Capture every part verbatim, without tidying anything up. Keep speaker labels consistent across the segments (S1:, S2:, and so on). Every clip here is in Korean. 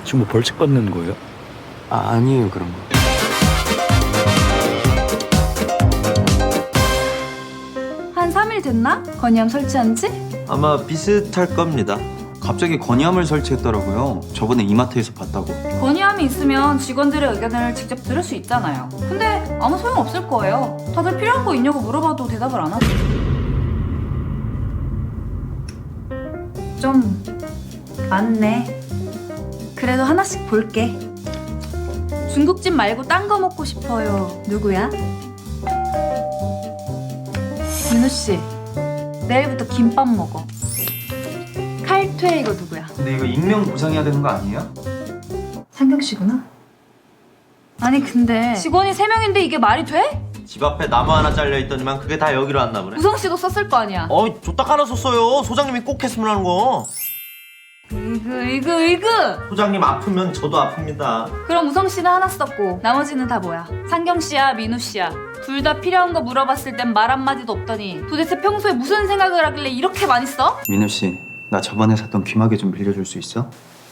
S1: 지금 뭐 벌칙 받는 거예요?
S2: 아, 아니에요 그런 거.
S3: 한 삼 일 됐나? 건의함 설치한 지?
S4: 아마 비슷할 겁니다.
S2: 갑자기 건의함을 설치했더라고요. 저번에 이마트에서 봤다고.
S3: 건의함이 있으면 직원들의 의견을 직접 들을 수 있잖아요. 근데 아무 소용 없을 거예요. 다들 필요한 거 있냐고 물어봐도 대답을 안 하지. 좀 많네. 그래도 하나씩 볼게. 중국집 말고 딴 거 먹고 싶어요. 누구야? 민우 씨, 내일부터 김밥 먹어. 칼퇴 이거 누구야?
S2: 근데 이거 익명 보상해야 되는 거 아니에요?
S3: 상경 씨구나. 아니 근데 직원이 세 명인데 이게 말이 돼?
S4: 집 앞에 나무 하나 잘려 있더니만 그게 다 여기로 왔나 보네.
S3: 우성 씨도 썼을 거 아니야.
S4: 어이 줬다 깔아 썼어요. 소장님이 꼭 했으면 하는 거.
S3: 으그 으그 으그.
S4: 소장님 아프면 저도 아픕니다.
S3: 그럼 우성 씨는 하나 썼고 나머지는 다 뭐야? 상경 씨야 민우 씨야. 둘 다 필요한 거 물어봤을 땐 말 한마디도 없더니 도대체 평소에 무슨 생각을 하길래 이렇게 많이 써?
S2: 민우 씨, 나 저번에 샀던 귀마개 좀 빌려줄 수 있어?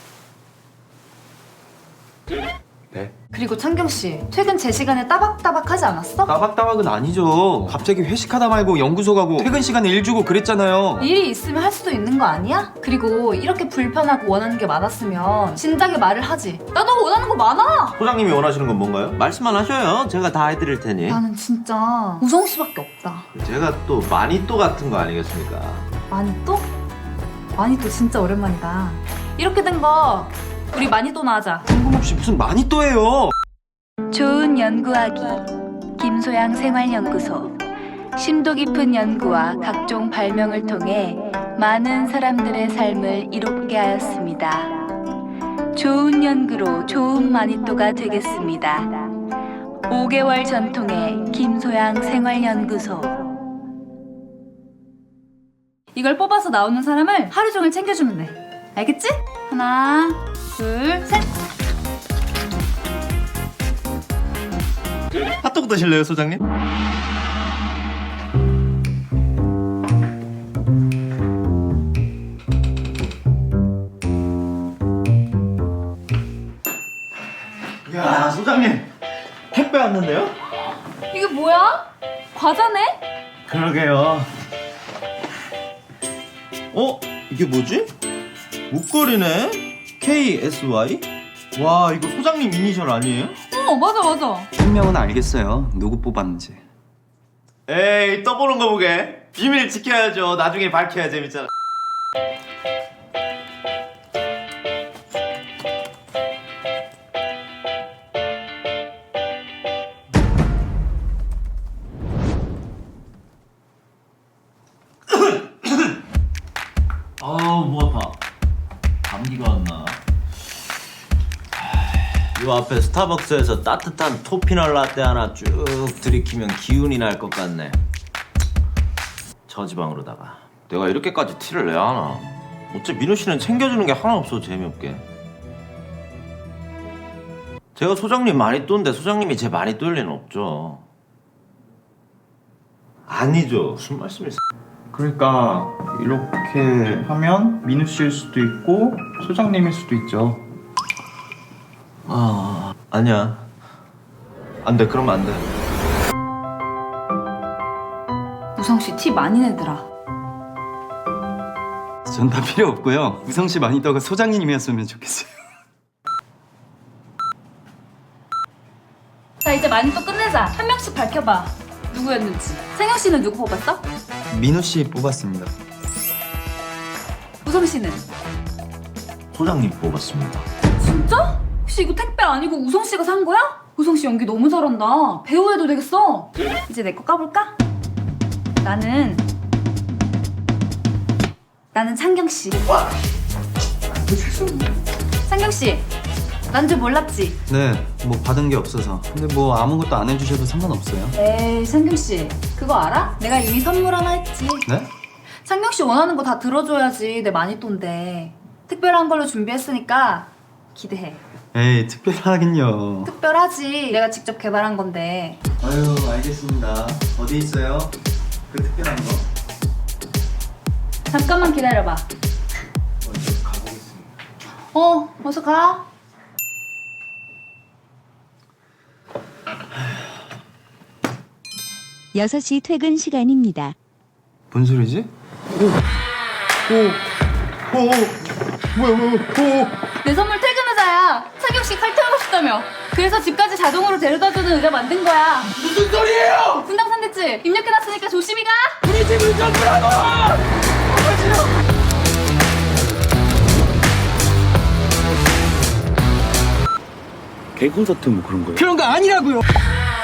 S2: 네.
S3: 그리고 창경 씨 퇴근 제 시간에 따박따박 하지 않았어?
S2: 따박따박은 아니죠. 갑자기 회식하다 말고 연구소 가고 퇴근 시간에 일 주고 그랬잖아요.
S3: 일이 있으면 할 수도 있는 거 아니야? 그리고 이렇게 불편하고 원하는 게 많았으면 진작에 말을 하지. 나도 원하는 거 많아.
S4: 소장님이 원하시는 건 뭔가요? 말씀만 하셔요. 제가 다 해드릴 테니.
S3: 나는 진짜 우성 씨밖에 없다.
S4: 제가 또 마니또 같은 거 아니겠습니까?
S3: 마니또? 마니또 진짜 오랜만이다. 이렇게 된 거 우리 마니또나 하자.
S2: 뜬금없이 무슨 많이 또 해요.
S3: 좋은 연구하기 김소양 생활연구소. 심도 깊은 연구와 각종 발명을 통해 많은 사람들의 삶을 이롭게 하였습니다. 좋은 연구로 좋은 마니또가 되겠습니다. 오 개월 전통의 김소양 생활연구소. 이걸 뽑아서 나오는 사람을 하루 종일 챙겨주면 돼. 알겠지? 하나, 둘, 셋.
S4: 핫도그 드실래요, 소장님? 야, 소장님. 택배 왔는데요?
S3: 이게 뭐야? 과자네?
S4: 그러게요. 어? 이게 뭐지? 목걸이네? 케이 에스 와이? 와, 이거 소장님 이니셜 아니에요?
S3: 어, 맞아, 맞아.
S2: 분명은 알겠어요. 누구 뽑았는지.
S4: 에이, 떠보는 거 보게. 비밀 지켜야죠. 나중에 밝혀야 재밌잖아. 아우, 목 아파. 감기가 왔나? 요 앞에 스타벅스에서 따뜻한 토피널 라떼 하나 쭉 들이키면 기운이 날 것 같네. 저지방으로다가 내가 이렇게까지 티를 내야 하나? 어째 민우 씨는 챙겨주는 게 하나 없어. 재미없게. 제가 소장님 많이 똔데 소장님이 제 많이 똔 리는 없죠. 아니죠. 무슨 말씀이세요?
S5: 그러니까 이렇게 하면 민우 씨일 수도 있고 소장님일 수도 있죠.
S4: 아, 아니야. 안 돼. 그러면 안 돼.
S3: 우성 씨 티 많이 내더라.
S2: 전 다 필요 없고요. 우성 씨 마니또가 소장님이었으면 좋겠어요.
S3: 자, 이제 마니또 끝내자. 한 명씩 밝혀봐. 누구였는지. 상영 씨는 누구 뽑았어?
S2: 민우 씨 뽑았습니다.
S3: 우성 씨는?
S4: 소장님 뽑았습니다.
S3: 진짜? 혹시 이거 택배 아니고 우성 씨가 산 거야? 우성 씨 연기 너무 잘한다. 배우 해도 되겠어. 이제 내 거 까볼까? 나는 나는 창경 씨. 창경 씨, 난 줄 몰랐지?
S2: 네, 뭐 받은 게 없어서. 근데 뭐 아무것도 안 해주셔도 상관없어요.
S3: 에이, 창경 씨, 그거 알아? 내가 이미 선물 하나 했지.
S2: 네?
S3: 창경 씨 원하는 거 다 들어줘야지 내 마니또인데. 특별한 걸로 준비했으니까 기대해.
S2: 에이, 특별하긴요.
S3: 특별하지. 내가 직접 개발한 건데.
S2: 아유, 알겠습니다. 어디 있어요? 그 특별한 거?
S3: 잠깐만 기다려봐.
S2: 먼저 가보겠습니다.
S3: 어, 어서 가.
S1: 여섯 시 퇴근 시간입니다.
S2: 뭔 소리지? 오, 오, 오, 오, 뭐야, 뭐야, 오.
S3: 내 선물 퇴근 의자야. 상경 씨 칼 태우고 싶다며. 그래서 집까지 자동으로 데려다주는 의자 만든 거야.
S2: 무슨 소리예요?
S3: 분당 산대지 입력해놨으니까 조심히 가.
S2: 우리 집을 전부라고!
S6: 개콘서트 뭐 그런 거예요?
S2: 그런 거 아니라고요.